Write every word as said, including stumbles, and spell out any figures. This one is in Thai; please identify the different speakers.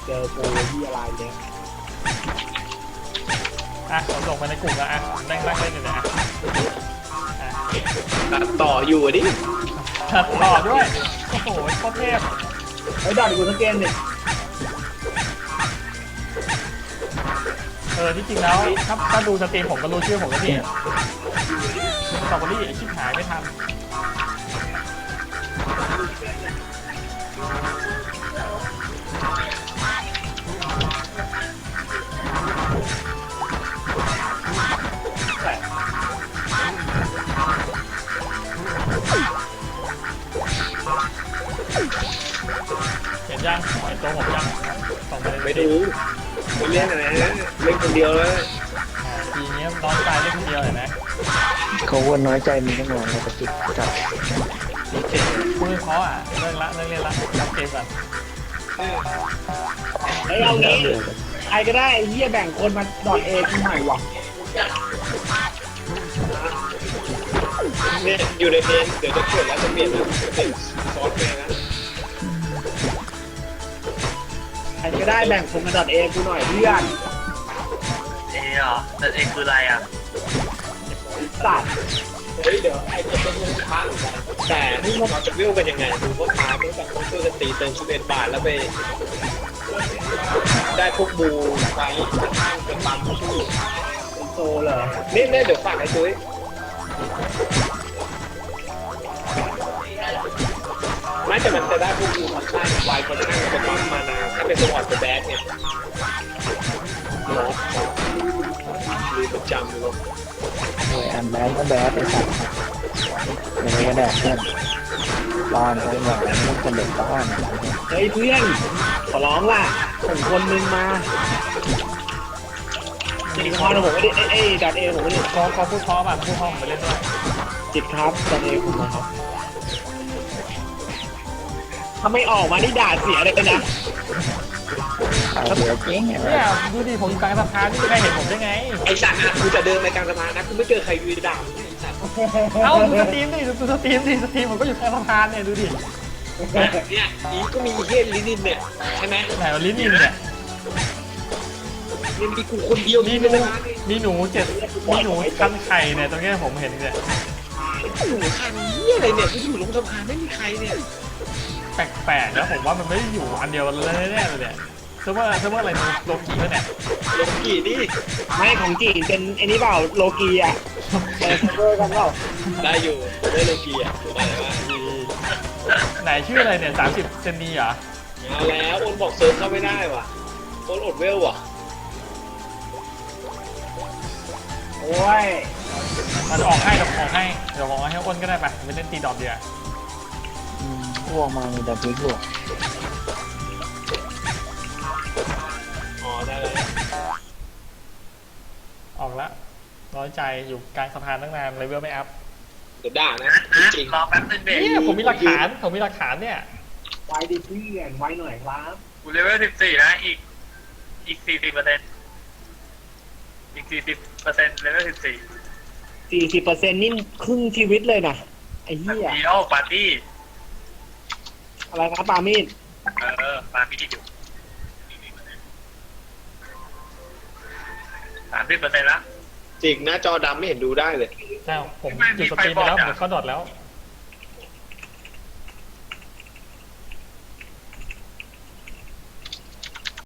Speaker 1: จอกูที่อะไรเนี่ย
Speaker 2: อ่ะผมส่งไปในกลุ่มแล้วอ่ะนั่งนั่งเล่นอยู่นะอ่ะ
Speaker 3: ตัดต่ออยู่ดิ
Speaker 2: ตัดต่อด้วยโอ้โหโคตรเทพ
Speaker 1: ไอ้ดอดกูสแกนเนี่ย
Speaker 2: เออที่จริงแล้วถ้าถ้าดูสตรีมผมก็รู้ชื่อผมแล้วนี่สตรอเบอรี่ไอ้ชิบหายไม่ทันเห็นยังเห็นตัวผมยังส่งไปเลย
Speaker 3: ไม่ดูไม่เล่นอะไรนะเล่นคนเดียวแล้ว
Speaker 2: ทีนี้น้องตายได้คนเดียวเห็นไหม
Speaker 4: เขาว่าน้อยใจมีตั้งนานแล้วก็จิตจับ
Speaker 2: มือเขาอ่ะเลิกละเลิกเล่นละรับเกมก่อน
Speaker 1: ไอ้เอางี้ใครก็ได้ไอ้เหี้ยแบ่งคนมาดอดเอกูใหม่ว่ะ
Speaker 3: เนี่ยอยู่ในเพนเดี๋ยวจะเกิดแล้วจะเปลี่ยนแล้วจะเป็นซอสเพนนะ
Speaker 1: ใครก็ได้แบ่งคนมาดอดเอกูหน่อยเพื่อน
Speaker 5: เอเหรอแต่เอคืออะไรอ่ะ
Speaker 1: สัตว์
Speaker 3: เฮ้ยเดี๋ยวไอ้ตัวต้นมันพลาดเหมือนกันแต่เราจะวิวกันยังไงดูว่าพาตั้งแต่ต้องช่วยกันตีเติมชุดเอ็นบาทแล้วไปได้พวกบูไฟข้างเป็นบัมผู้
Speaker 1: เป็นโซเหรอ
Speaker 3: นี่เนี่ยเดี๋ยวฝากไอ้ตุ้ยไม่แต่มันจะได้พวกบูมาข้างไวคนข้างเป็นบัมมานาถ้าเป็นสวอตเป็นแบดเนี่ยเนาะมีประจำเลย
Speaker 4: หน่วยอันแบดก็แบดไอ้สัตว์ยังไงก็ได้เพื่อนร้อนไปหน่อยมันจะเด็กบ้าน
Speaker 1: เฮ้ยเพื่อนขอร้องล่ะส่งคนนึงมาจิตคอนผมไม่ได้เอ้ยดอดเอผมไม่ได้
Speaker 2: เขาเขาพูดเพราะป่ะพูดเพราะผมไปเล่นด้วย
Speaker 1: จิตครับดอดเอผมนะครับถ้าไม่ออกมานี่ด่าเสียเลยนะ
Speaker 4: เอาเดี๋ยวเจ๊ง
Speaker 2: เนี่ยดูดิผมอยู่กลางสะพานนี่ใครเห็นผมได้ไง
Speaker 3: ไอ้สัตว์นะกูจะเดินไปกลางสะพานนะกูไม่เจอใครยืนด่าไอ้สัตว์
Speaker 2: เอ้าดูสตรีมดิดูสตรีมดิสตรีมผมก็อยู่กลางสะพานเนี่ยดูดิ
Speaker 3: เนี่ยอีก็มีเฮียลินินเนี่ยใช่ไหม
Speaker 2: ไหนวะลิ้นอินเนี่ย
Speaker 3: นี่มีกูคนเดียว
Speaker 2: มี
Speaker 3: นี่
Speaker 2: หนู
Speaker 3: เลยนะ
Speaker 2: มีหนูเจ็ดมีหนูคันไข่เนี่ยตรงเนี้ยผมเห็นเนี่ย
Speaker 3: หนูคันเฮียอะไรเนี่ยกูอยู่ลงสะพานไม่มีใครเนี่ย
Speaker 2: แปลกๆแล้วผมว่ามันไม่ได้อยู่อันเดียวกันเลยแน่เลยเนี่ยเซิร์ฟเวอร์เซิร์ฟเวอร์อะไรโลกีแล้วเนี่ย
Speaker 3: ลงกี่นี่
Speaker 1: ไม่ของจีนเป็นไอ้นี่เปล่าโลกีอ่ะเออเวอร์กันเปล่า
Speaker 3: ได้อยู่ได้ลงกี่อ่ะถูกไหมว่า
Speaker 2: ไหนชื่ออะไรเนี่ยสามสิบเซนนีเหรอ
Speaker 3: เอาแล้วโอนบอกเซิร์ฟเข้าไม่ได้ว่ะโอนอดเวลว่ะ
Speaker 1: โอ้ย
Speaker 2: มันออกให้เดี๋ยวออกให้เดี๋ยวออกให้อ้นก็ได้ไปไปเล่นตีดอกเดียว
Speaker 4: พวกมามีแต่พริกหลวก
Speaker 3: อ๋อได้เลย
Speaker 2: ออกแล้วน้อยใจอยู่กลางสะพานตั้งนานเลยเวลไม่อัพ
Speaker 3: เดี๋ยวด่านะจริง
Speaker 5: รอแป๊บนึงเด็ก
Speaker 2: เนี่ยผมมีหลักฐานผมมีหลักฐานเนี่ย
Speaker 1: ไว้ดิเพื่อนไว้หน่อยครับ
Speaker 5: กูเลเวลสิบสี่นะอีกอีกสี่สิบเปอร์เซ็นต์อีกสี่สิบเปอร์เซ็นต์เลเวลสิบสี่
Speaker 1: สี่สิบเปอร์เซ็นต์นี่ครึ่งชีวิตเลยนะไอ้เหี้ย
Speaker 5: ดีโอปาร์ตี้
Speaker 1: อะไรครับปามีด
Speaker 5: เออปาร์ตี้อยู่สามสิบเปอร์เซ็นต์ละ
Speaker 3: จริงหน้าจอดำไม่เห็นดูได้เลย
Speaker 2: ใช่ผมจุดสตรีมไปแล้วผมเข้าดอทแล้ว